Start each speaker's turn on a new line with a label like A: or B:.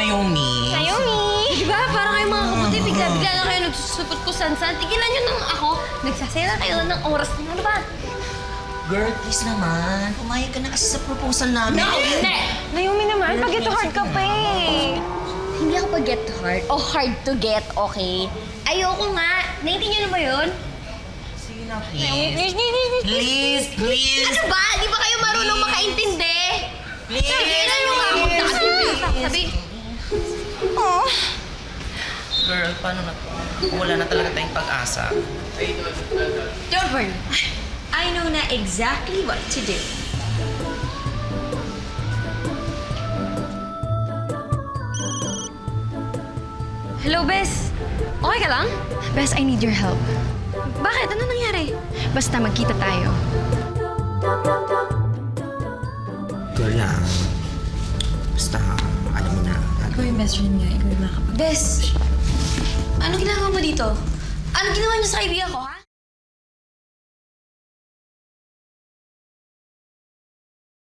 A: Naomi.
B: Naomi! Diba? Parang kayo mga kaputi, bigla-bigla na kayo nagsusupot ko san-san. Tigilan nyo nang ako. Nagsasaya kayo ng oras na. Ano ba?
A: Girl, please naman. Pumayag ka na kasi sa proposal namin.
B: Hindi!
C: Naomi naman, pag-get hard ka pa eh.
B: Hindi ako pag-get hard o hard to get, okay? Ayoko nga. Naiintindihan mo yun?
A: Sige na, please. Please.
B: Ano ba? Di ba kayo marunong makaintindi?
A: Please.
B: Tigilan nyo nga ako. Sabi,
C: Oh.
A: Girl, paano na to? Wala na talaga tayong pag-asa.
D: Don't worry. I know na exactly what to do.
B: hello, Bes. Okay ka lang?
C: Bes, I need your help.
B: Bakit? Ano nangyari?
C: Basta magkita tayo.
A: Girl lang. Basta, alam mo na.
D: Ikaw yung best friend niya. Ikaw yung makakapag...
B: Bes, ano ginagawa mo dito? Ano ginawa niyo sa kaibigan ko, ha?